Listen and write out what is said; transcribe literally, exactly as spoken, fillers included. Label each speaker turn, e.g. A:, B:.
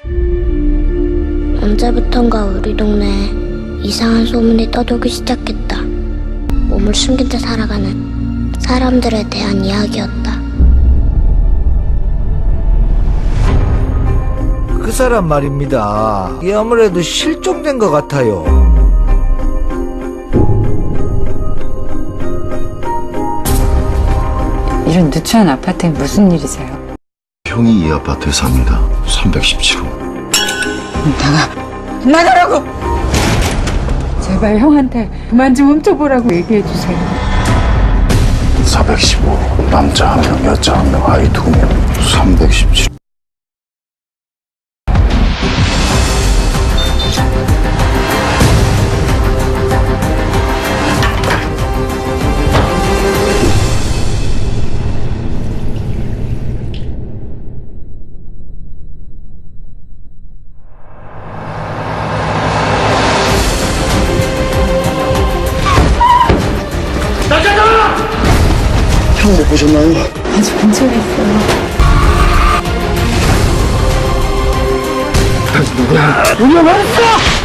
A: 언제부턴가 우리 동네에 이상한 소문이 떠돌기 시작했다. 몸을 숨긴 채 살아가는 사람들에 대한 이야기였다.
B: 그 사람 말입니다. 이게 아무래도 실종된 것 같아요.
C: 이런 누추한 아파트에 무슨 일이세요?
D: 형이 이 아파트에 삽니다. 삼백십칠 호.
C: 나가! 나가라고! 제발 형한테 그만 좀 훔쳐보라고 얘기해주세요.
D: 사백십오 호. 남자 한 명, 여자 한 명, 아이 두 명. 삼백십칠 호. 형 못 보셨나요?
C: 아주 근처에 있어요.
D: 누구야?
C: 우리 왔어!